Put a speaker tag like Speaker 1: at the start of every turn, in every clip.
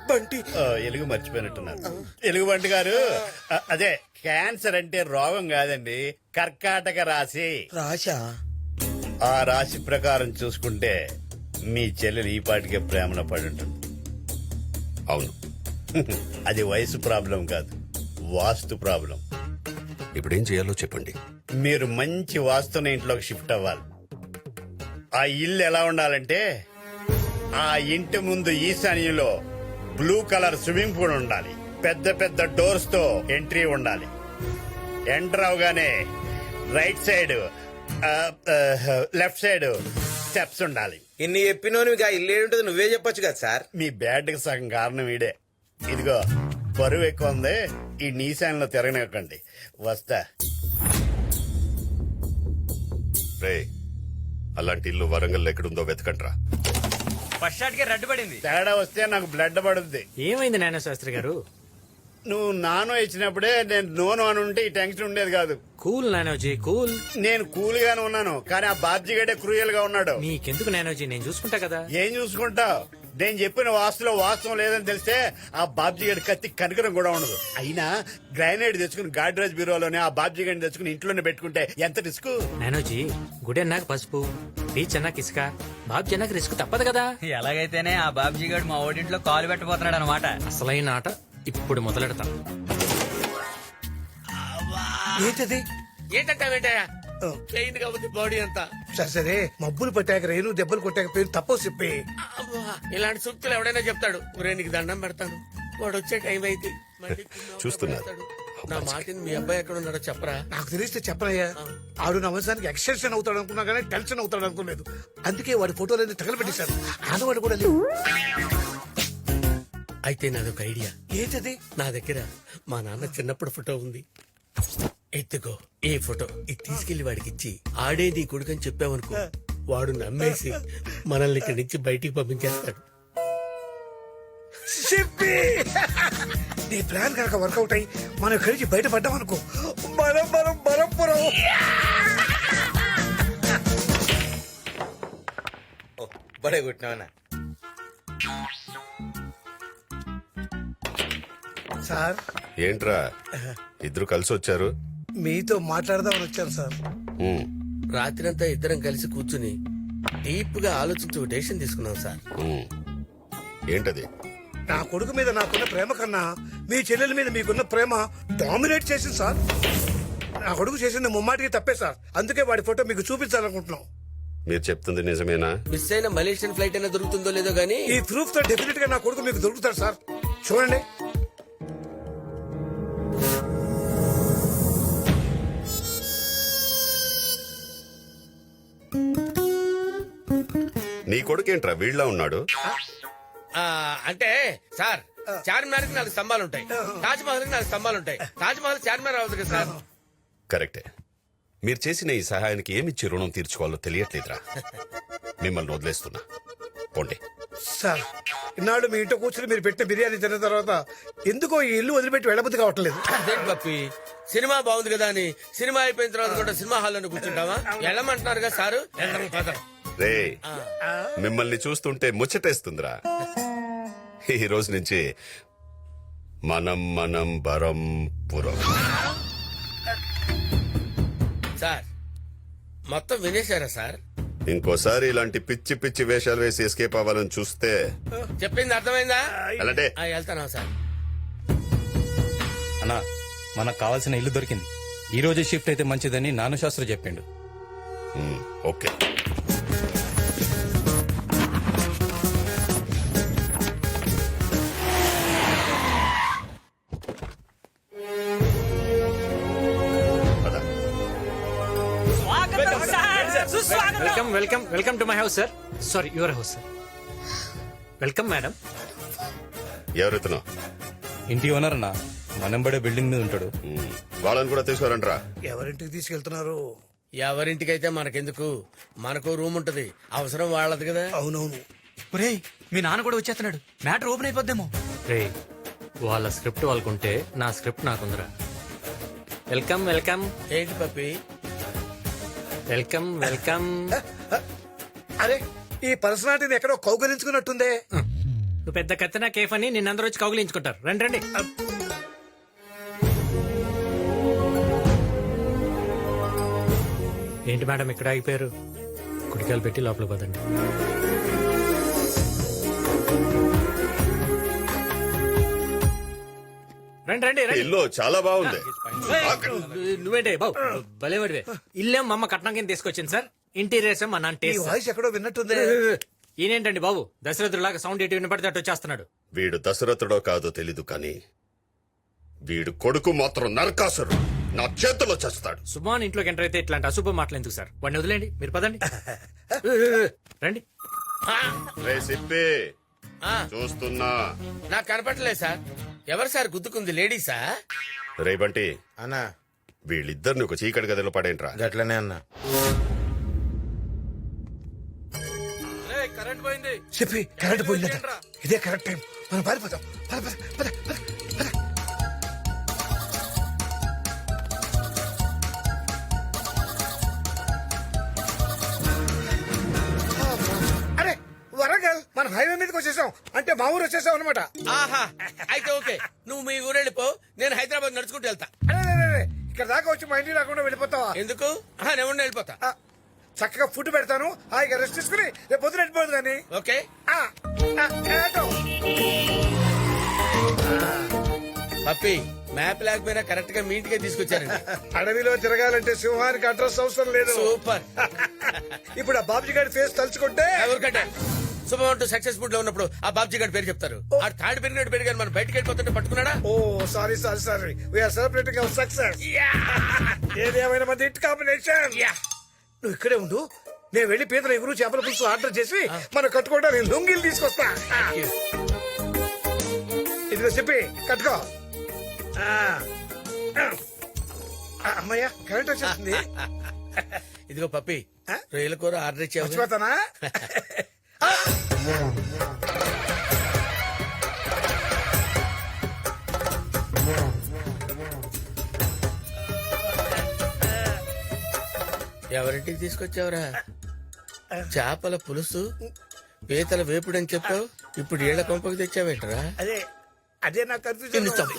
Speaker 1: బంటి
Speaker 2: ఎలుగు మర్చిపోయినట్టున్నారు. ఎలుగుబంటి గారు, అదే క్యాన్సర్ అంటే రోగం కాదండి, కర్కాటక రాశి.
Speaker 1: రాశా?
Speaker 2: ఆ రాశి ప్రకారం చూసుకుంటే మీ చెల్లెలు ఈ పాటికే ప్రేమలో పడి ఉంటుంది.
Speaker 3: అవును.
Speaker 2: అది వయసు ప్రాబ్లం కాదు, వాస్తు ప్రాబ్లం.
Speaker 3: ఇప్పుడేం చేయాలో చెప్పండి.
Speaker 2: మీరు మంచి వాస్తున్న ఇంట్లోకి షిఫ్ట్ అవ్వాలి. ఆ ఇల్లు ఎలా ఉండాలంటే, ఆ ఇంటి ముందు ఈశాన్యంలో బ్లూ కలర్ స్విమ్మింగ్ పూల్ ఉండాలి. పెద్ద పెద్ద డోర్స్ తో ఎంట్రీ ఉండాలి. ఎంటర్ అవగానే right side, left side steps ఉండాలి.
Speaker 1: ఇన్ని చెప్పినోని ఇల్లు ఏంటది నువ్వే చెప్పొచ్చు కదా సార్.
Speaker 2: మీ బ్యాడ్ కి సగం కారణం ఈడే. ఇదిగో బరువు ఎక్కువ ఉంది, ఈ నీశాన్లో తిరగనివ్వకండి. వస్తా.
Speaker 3: రే, అలాంటి ఇల్లు వరంగల్ ఎక్కడుందో వెతకండ్రా.
Speaker 4: ఫస్ట్ షాట్ కి రెడ్ పడింది.
Speaker 2: తేడా వస్తే నాకు బ్లడ్ పడుద్ది.
Speaker 4: ఏమైంది నాన్న శాస్త్రి గారు?
Speaker 2: నువ్వు నానో ఇచ్చినప్పుడే నేను నోను అని ఉంటే ఈ టెన్షన్ ఉండేది కాదు.
Speaker 4: కూల్ నానోజీ కూల్.
Speaker 2: నేను కూల్ గానే ఉన్నాను, కానీ ఆ బాబ్జీగడే క్రూయల్ గా ఉన్నాడు.
Speaker 4: మీకెందుకు నానోజీ, నేను చూసుకుంటా కదా.
Speaker 2: ఏం చూసుకుంటావు? నేను చెప్పిన వాస్తులో వాస్తవం లేదని తెలిస్తే ఆ బాబ్జీగడి కత్తి కనికరం కూడా ఉండదు. అయినా గ్రానైట్ తెచ్చుకుని గాడ్రేజ్ బ్యూరోలోనే ఆ బాబ్జీగడిని తెచ్చుకుని ఇంట్లోనే పెట్టుకుంటే ఎంత రిస్క్.
Speaker 4: నానోజీ, గుడి అన్నాక పసుపు, బీచ్ అన్నాక ఇసుక, బాబ్జీ అన్నాక రిస్క్ తప్పదు కదా.
Speaker 5: ఎలాగైతేనే ఆ బాబ్జీ గారు మా ఓడింట్లో కాలు పెట్టబోతున్నాడు అనమాట.
Speaker 4: అసలైన ఆట ఇప్పుడు మొదలెడతాం.
Speaker 1: ఏంటది?
Speaker 6: ఏంటంటావేంటయ్యా? పెయిన్ గా ఉంది బాడీ అంతా.
Speaker 1: సరే సరే, మబ్బులు పట్టాక రేణు దెబ్బలు కొట్టాక పేరు తప్పో చెప్పి.
Speaker 6: అబ్బా, ఇలాంటి సూక్తులు ఎవడైనా చెప్తాడు. ఒరే నీకు దండం పెడతాను, వాడు వచ్చే టైం అయితే మళ్ళీ
Speaker 3: చూస్తున్నారు.
Speaker 6: పెడతాడు. నా మాటిని మీ అబ్బాయి ఎక్కడ ఉన్నాడో చెప్పరా.
Speaker 1: నాకు తెలిస్తే చెప్పనయ్యా. ఆడు నా వంశానికి ఎక్స్టెన్షన్ అవుతాడు అనుకున్నా కానీ టెన్షన్ అవుతాడు అనుకోలేదు. అందుకే వాడి ఫోటోలన్నీ తగలబెట్టేశారు. ఆడవాడు కూడా లేవు.
Speaker 6: అయితే నాదొక ఐడియా.
Speaker 1: ఏంటది?
Speaker 6: నా దగ్గర మా నాన్న చిన్నప్పుడు ఫోటో ఉంది. ఎత్తుకో ఈ ఫోటో, ఇది తీసుకెళ్లి వాడికి ఇచ్చి ఆడే నీ కొడుకని చెప్పావనుకో, వాడు నమ్మేసి మనల్ని ఇక్కడి నుంచి బయటికి పంపించేస్తాడు.
Speaker 1: చెప్పి నీ ప్లాన్ కనుక వర్కౌట్ అయ్యి మనం ఇక్కడి నుంచి బయటపడ్డాం అనుకో, మనం మనం బలంపురం.
Speaker 7: బడే కొట్టినావనా
Speaker 1: సార్?
Speaker 3: ఏంట్రా ఇద్దరు కలిసి వచ్చారు?
Speaker 1: మీతో మాట్లాడదామని వచ్చాను సార్.
Speaker 3: ఉమ్,
Speaker 6: రాత్రంతా ఇద్దరం కలిసి కూర్చుని డీప్ గా ఆలోచించి ఒక డెసిషన్ తీసుకున్నాం సార్.
Speaker 3: ఉమ్. ఏంటది?
Speaker 1: నా కొడుకు మీద నాకున్న ప్రేమ కన్నా మీ చెల్లెల మీద మీకున్న ప్రేమ డామినేట్ చేసింది సార్. నా కొడుకు చేసింది ముమ్మాటికి తప్పే సార్. అందుకే వాడి ఫోటో మీకు చూపించాలనుకుంటున్నాం.
Speaker 3: మీరు చెప్తుంది నిజమేనా?
Speaker 6: మిస్ అయిన మలేషియన్ ఫ్లైట్ అయినా దొరుకుతుందో లేదో గానీ
Speaker 1: ఈ ప్రూఫ్ తో డెఫినెట్ గా నా కొడుకు మీకు దొరుకుతాడు సార్. చూడండి.
Speaker 3: నీ కొడుకేంట్రా వీళ్ళ ఉన్నాడు?
Speaker 6: అంటే సార్, చార్మినార్ కి 4 స్తంభాలు ఉంటాయి, తాజ్ మహల్ కి 4 స్తంభాలు ఉంటాయి. తాజ్ మహల్ చార్మినార్ అవుతుంది కదా సార్.
Speaker 3: కరెక్టే. మీరు చేసిన ఈ సహాయానికి ఏమిచ్చి రుణం తీర్చుకోవాలో తెలియట్లేదురా. మిమ్మల్ని వదిలేస్తున్నా, పోండి.
Speaker 1: సార్, ఇన్నాళ్ళు మీ ఇంట్లో కూర్చుని మీరు పెట్టిన బిర్యానీ తిన్న తర్వాత ఎందుకో ఈ ఇల్లు వదిలిపెట్టి వెళ్ళబుద్ధి కావట్లేదు.
Speaker 6: అదేంటి పప్పి, సినిమా బాగుంది కదా అని సినిమా అయిపోయిన తర్వాత కూడా సినిమా హాల్లో కూర్చుంటావా? వెళ్ళమంటున్నారు కదా సారు.
Speaker 3: రే, మిమ్మల్ని చూస్తుంటే ముచ్చటేస్తుందిరా. ఈ రోజు నుంచి మనం మనం బరంపురం.
Speaker 6: సార్, మొత్తం వినేశారా సార్?
Speaker 3: ఇంకోసారి ఇలాంటి పిచ్చి పిచ్చి వేషాలు వేసి ఎస్కేప్ అవ్వాలని చూస్తే
Speaker 6: చెప్పింది అర్థమైందా?
Speaker 3: అలాంటే
Speaker 6: వెళ్తానా సార్?
Speaker 8: అన్నా, మనకు కావాల్సిన ఇల్లు దొరికింది. ఈ రోజే షిఫ్ట్ అయితే మంచిదని నాను శాస్త్రి చెప్పిండు.
Speaker 3: Okay.
Speaker 4: Welcome welcome welcome to my house sir. Sorry, your house sir. Welcome madam.
Speaker 3: ఎవరెత్తునో?
Speaker 8: ఇంటి ఓనర్ అన్నా, మనంబడే బిల్డింగ్ మీద ఉంటాడు.
Speaker 3: వాళ్ళని కూడా తీసుకురంట్రా.
Speaker 1: ఎవరింటికి తీసుకెళ్తున్నారు?
Speaker 6: ఎవరింటికైతే మనకెందుకు, మనకు రూమ్ ఉంటది, అవసరం వాళ్ళది కదా.
Speaker 1: అవునవును.
Speaker 5: ఒరేయ్, మీ నాన్న కూడా వచ్చేస్తున్నాడు, మ్యాటర్ ఓపెన్ అయిపోద్దేమో.
Speaker 4: రే, వాళ్ళ స్క్రిప్ట్ వాళ్ళకుంటే నా స్క్రిప్ట్ నాకుందిరా. వెల్కమ్ వెల్కమ్
Speaker 6: ఏంటి పప్పి?
Speaker 4: Welcome welcome.
Speaker 1: అరే, ఈ పర్సనాలిటీని ఎక్కడో కౌగలించుకున్నట్టుందే.
Speaker 4: నువ్వు పెద్ద కత్తినా కేఫ్ అని నిన్నందరూ వచ్చి కౌగులించుకుంటారు. రండి రండి. ఏంటి మేడం ఇక్కడ ఆగిపోయారు? కుడికాయలు పెట్టి లోపల పదండి. రండి రండి రండి.
Speaker 3: ఇల్లు చాలా బాగుంది.
Speaker 4: నువ్వేంటే బాబు భలేవాడివే. ఇల్లేం మా అమ్మ కట్నం కింద తీసుకొచ్చింది సార్. ఇంటీరియర్స్ మా నాన్న
Speaker 1: ఈ
Speaker 4: టేస్ట్.
Speaker 1: వాయిస్ ఎక్కడో విన్నట్టుంది.
Speaker 4: ఈయనేంటండి బాబు దశరథులాగా సౌండ్ ఎటు వినపడితే అటు వచ్చేస్తున్నాడు.
Speaker 3: వీడు దశరథుడో కాదో తెలీదు కానీ వీడు కొడుకు మాత్రం నరకాసురు. నా చేతిలో చేస్తాడు.
Speaker 4: సుమాన్ ఇంట్లోకి ఎంటర్ అయితే ఇట్లాంటి అశుభ మాటలు ఎందుకు సార్? వాడిని వదిలేండి, మీరు పదండి. రండి.
Speaker 3: రే సిప్పి,
Speaker 7: ఆ,
Speaker 3: చూస్తున్నా.
Speaker 7: నాకు కనపడలేదు సార్. ఎవరు సార్ గుద్దుకుంది? లేడీసా?
Speaker 3: రే బంటి,
Speaker 7: అన్నా
Speaker 3: వీళ్ళిద్దరిని ఒక చీకటి గదిలో పడేంట్రా.
Speaker 7: గట్లనే అన్నా.
Speaker 8: కరెంట్ పోయింది.
Speaker 1: చెప్పి కరెంట్ పోయిందట. ఇదే కరెక్ట్ టైం, మనం పారిపోతాం. పద, పద, పద, పద, పద. అరే వరంగల్, మనం హైవే మీదకి వచ్చేసాం. అంటే మా ఊరు వచ్చేసాం అనమాట.
Speaker 7: ఆహా, అయితే ఓకే. నువ్వు మీ ఊరు వెళ్ళిపో, నేను హైదరాబాద్ నడుచుకుంటూ వెళ్తా.
Speaker 1: అరే ఇక్కడ దాకా వచ్చి మా ఇంటికి రాకుండా వెళ్ళిపోతావా?
Speaker 7: ఎందుకు? నేను ఉండి వెళ్ళిపోతా.
Speaker 1: ఆ, చక్కగా ఫుడ్ పెడతాను, హాయిగా రెస్ట్ తీసుకుని రేపు పొద్దున వెళ్ళిపోదు కానీ.
Speaker 7: ఓకే. పప్పి, మ్యాప్ లేకపోయినా కరెక్ట్ గా మీ ఇంటికే తీసుకొచ్చారండి.
Speaker 1: అడవిలో తిరగాలంటే సింహానికి అడ్రస్ అవసరం లేదు.
Speaker 7: సూపర్.
Speaker 1: ఇప్పుడు ఆ బాబుజీ గారి ఫేస్ తలుచుకుంటే
Speaker 7: ఎవరికంటే శుభమంటూ సక్సెస్ఫుల్ లో ఉన్నప్పుడు ఆ బాబ్జీ గారి పేరు చెప్తారు. ఆ తాడు పెరిగినట్టు పెరిగారు, మనం బయటకు వెళ్ళిపోతుంటే పట్టుకున్నాడా?
Speaker 1: Oh sorry we're celebrating our success. ఏదేమైనా మంది హిట్ కాంబినేషన్. నువ్వు ఇక్కడే ఉండు, నేను వెళ్లి పీతల ఎగురు చేపల పులుసు ఆర్డర్ చేసి మనం కట్టుకోవడానికి లొంగిలు తీసుకొస్తా. ఇదిగో చెప్పి కట్టుకో. అమ్మయ్యా కరెంట్ వచ్చేస్తుంది.
Speaker 7: ఇదిగో పప్పి, రొయ్యల కూర ఆర్డర్ ఇచ్చావు.
Speaker 1: మర్చిపోతానా?
Speaker 7: ఎవరింటికి తీసుకొచ్చావురా? చేపల పులుసు, పీతల వేపుడు అని చెప్పావు, ఇప్పుడు ఏళ్ల కొంపకి తెచ్చావేంటరా?
Speaker 1: అదే అదే నాకు కన్ఫ్యూజన్.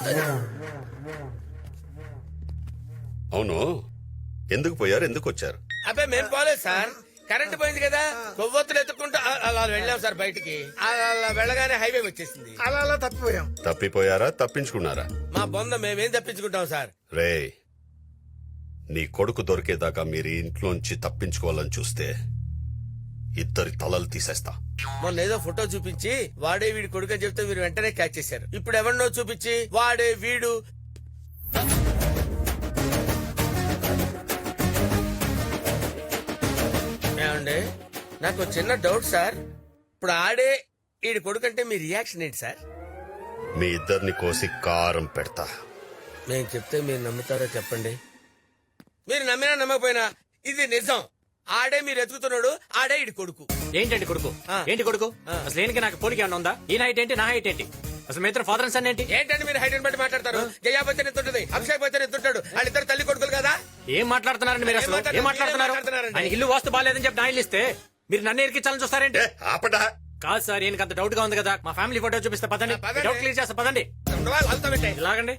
Speaker 3: అవును, ఎందుకు పోయారు, ఎందుకు వచ్చారు?
Speaker 7: అబ్బాయి మేము పోలేదు సార్, కరెంట్ పోయింది కదా, కొవ్వొత్తులు ఎత్తుకుంటూ అలా వెళ్ళాం సార్ బయటికి. అలా వెళ్ళగానే హైవే వచ్చేసింది.
Speaker 1: అలా తప్పిపోయాం.
Speaker 3: తప్పిపోయారా, తప్పించుకున్నారా?
Speaker 7: మా బొంద మేమేం తప్పించుకుంటాం సార్.
Speaker 3: రే, నీ కొడుకు దొరికేదాకా మీరు ఈ ఇంట్లోంచి తప్పించుకోవాలని చూస్తే ఇద్దరి తలలు తీసేస్తా.
Speaker 7: మొన్న ఏదో ఫోటో చూపించి వాడే వీడి కొడుకు అని చెప్తే మీరు వెంటనే క్యాచ్ చేశారు. ఇప్పుడు ఎవరినో చూపించి వాడే వీడు. ఏమండి, నాకు చిన్న డౌట్ సార్. ఇప్పుడు ఆడే వీడి కొడుకు అంటే మీ రియాక్షన్ ఏంటి సార్?
Speaker 3: మీ ఇద్దరిని కోసి కారం పెడతా.
Speaker 7: నేను చెప్తే మీరు నమ్ముతారో చెప్పండి. మీరు నమ్మినా నమ్మకపోయినా ఇది నిజం. ఆడే మీరు ఎత్తుకుతున్నాడు, ఆడే ఇడి కొడుకు.
Speaker 4: ఏంటండి కొడుకు? ఏంటి కొడుకు? అసలు ఏనికి నాకు పోలిక ఏమన్నా ఉందా? ఈయన హైట్ ఏంటి, నా హైట్ ఏంటి? అసలు మీ ఇద్దరు ఫాదర్ అండ్ సన్ ఏంటి?
Speaker 7: ఏంటంటే మీరు హైట్ బట్టి మాట్లాడతారు. జయా బచ్చన్ ఎత్తుంటది, అక్షయ్ బచ్చన్ ఎత్తుంటాడు. వాళ్ళిద్దరు తల్లి కొడుకులు కదా.
Speaker 4: ఏం మాట్లాడుతున్నారండి మీరు? అసలు ఏం మాట్లాడుతున్నారు? ఆయన ఇల్లు వాస్తు బాగాలేదని చెప్పి నా ఇల్లు ఇస్తే మీరు నన్ను ఇరికించాలని చూస్తారేంటి?
Speaker 3: ఏ, ఆపడా.
Speaker 4: కాదు సార్, ఈయనకి అంత డౌట్ గా ఉంది కదా. మా ఫ్యామిలీ ఫోటో చూపిస్తే పదండి,
Speaker 7: పదండి.
Speaker 4: డౌట్ క్లియర్ చేస్తా పదండి.
Speaker 7: ఉండవా? వాళ్ళతో పెట్టే.
Speaker 4: ఇలాగండి.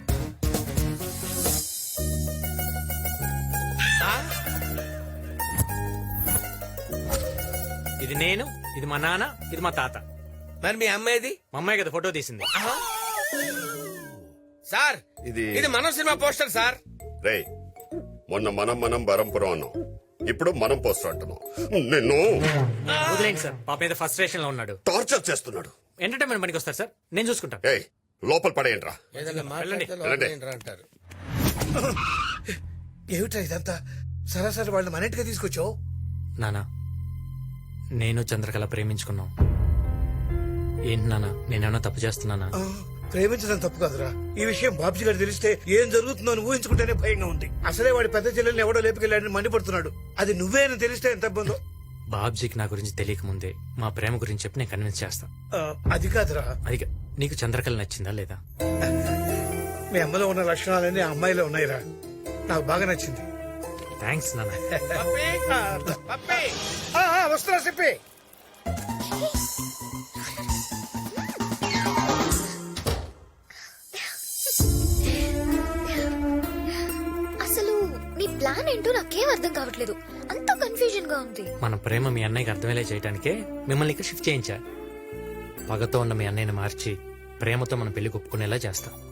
Speaker 4: ఇది నేను, ఇది మా నాన్న, ఇది మా తాత.
Speaker 7: మరి మీ అమ్మాయిది?
Speaker 4: మా అమ్మాయి కదా ఫోటో తీసింది.
Speaker 7: సార్ ఇది మనం సినిమా పోస్టర్ సార్.
Speaker 3: రే, మొన్న మనం బరంపురం అన్నాం, ఇప్పుడు మనం పోస్టర్ అంటున్నాం. నిన్ను
Speaker 4: వదిలేండి సార్, పాప మీద ఫస్ట్ స్టేషన్ లో ఉన్నాడు.
Speaker 3: టార్చర్ చేస్తున్నాడు.
Speaker 4: ఎంటర్టైన్మెంట్ పనికి వస్తారు సార్, నేను చూసుకుంటాను.
Speaker 3: ఏయ్, లోపల పడేయండిరా.
Speaker 7: ఏదైనా మాట్లాడితే
Speaker 3: వెళ్ళండి.
Speaker 7: లోపల ఏంట్రా అంటారు.
Speaker 1: ఏమిటా ఇదంతా? సరాసరి వాళ్ళని మన ఇంటికి తీసుకొచ్చావు.
Speaker 4: నానా, నేను చంద్రకళ ప్రేమించుకున్నాం. ఏంటి నానా, నేనేమన్నా తప్పు చేస్తున్నానా?
Speaker 1: ప్రేమించడం తప్పు కాదురా. ఈ విషయం బాబ్జీ గారు తెలిస్తే ఏం జరుగుతుందో అని ఊహించుకుంటేనే భయంగా ఉంది. అసలే వాడి పెద్ద చెల్లెల్ని ఎవడో లేపుకెళ్ళాడని మండిపడుతున్నాడు. అది నువ్వే అని తెలిస్తే ఎంత ఇబ్బందో.
Speaker 4: బాబ్జీకి నా గురించి తెలియక ముందే మా ప్రేమ గురించి చెప్పి నేను కన్విన్స్ చేస్తా.
Speaker 1: అది కాదురా,
Speaker 4: అది నీకు చంద్రకళ నచ్చిందా లేదా?
Speaker 1: మీ అమ్మలో ఉన్న లక్షణాలన్నీ ఆ అమ్మాయిలో ఉన్నాయిరా. నాకు బాగా నచ్చింది.
Speaker 4: థ్యాంక్స్ నాన్న.
Speaker 7: పప్పి, పప్పి.
Speaker 1: వస్తున్నా చెప్పి.
Speaker 9: ప్లాన్ ఏంటో నాకేం అర్థం కావట్లేదు, అంత కన్ఫ్యూజన్ గా ఉంది.
Speaker 4: మన ప్రేమ మీ అన్నయ్యకి అర్థమయ్యేలా చేయడానికే మిమ్మల్ని ఇక్కడ షిఫ్ట్ చేయించా. పగతో ఉన్న మీ అన్నయ్యని మార్చి ప్రేమతో మన పెళ్లి ఒప్పుకునేలా చేస్తాం.